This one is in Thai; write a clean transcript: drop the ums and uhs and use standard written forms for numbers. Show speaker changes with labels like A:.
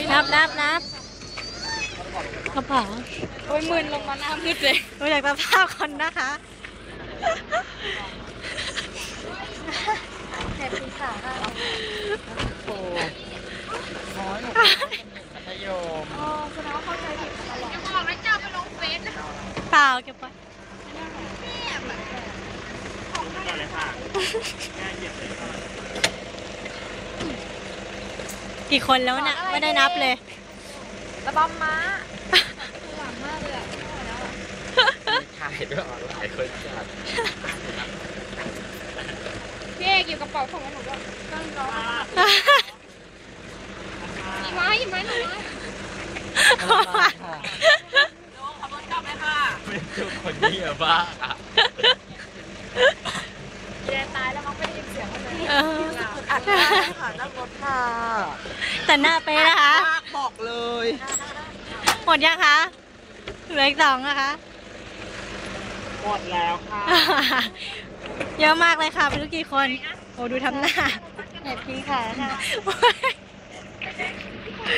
A: นับกระเป๋า
B: โอ้ยมึนลงมาหน้ามืดเลย
A: ดูจากสภาพคนนะคะ
B: แอบกินขาค่ะ
C: โอ้น้อยหนูมัธยม
B: อ๋อคุณน้องเข้าใจผิดตลอดจะบอกนะเจ้าไปลงเฟซนะ
A: เปล่าเก็บไว้กี่คนแล้วน่ะไม่ได้นับเลย
B: ระบำม้าหลังมากเลยอ่ะ
C: ถ่ายด้วยออนไลน์คนจัด
B: พี่เอกอยู่กระเป๋าของหนูด้วยตั้งรออีไม้หนู
C: เป็นทุกคนนี่อะบ้าอะ
B: แกตายแล้วมั้งไม่ได้ยินเสียงมันเลย
A: เออ
C: อัดได้ค่ะนั่งรถค่ะ
A: แต่หน้าเป๊ะนะคะ
C: บอกเลย
A: หมดยังคะเหลืออีก2นะคะ
C: หมดแล้วค่ะ
A: เยอะมากเลยค่ะไม่รู้กี่คนโอ้ดูทำหน้าแอบกินขาค่ะ